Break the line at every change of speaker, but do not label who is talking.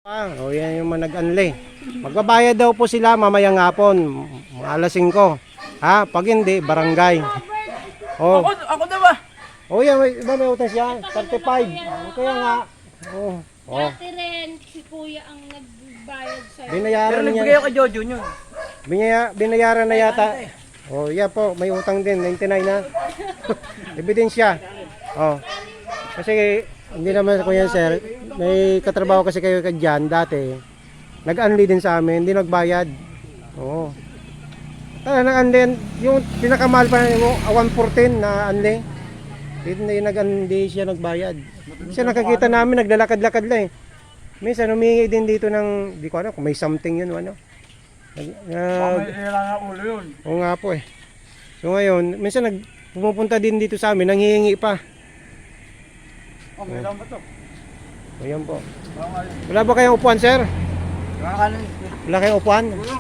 O yan yung mga nag-unli. Magbabayad daw po sila mamayang hapon, mga alas 5. Ha? Pag hindi, barangay. Oh.
Ako na ba?
Oh yan, may utang siya. 35. Kaya nga. Oh. Oh.
Dati rin, si kuya ang nagbayad sa'yo.
Binayaran niya.
nagbigay ako kay Jojo nyo.
Binayaran na yata. Oh, yeah po, may utang din, 99 na. Ebidensya. Oh. Kasi hindi naman ko yan, sir. May katrabaho kasi kayo dyan dati. Nag-unli din sa amin, hindi nagbayad. Oo. Nag-unli, yung pinakamahal pa yung 114 na unli. Hindi siya nagbayad. Kasi nakakita namin, naglalakad-lakad lang eh. Minsan humingi din dito ng, di ko alam kung may something yun o ano.
Kailangan ulo yun.
Oo nga po eh. So ngayon, minsan pumupunta din dito sa amin, nanghihingi pa.
Oh, may lang ba to?
Ayan po. Wala ba kayong upuan, sir?
Kakanin.
Wala kayong upuan?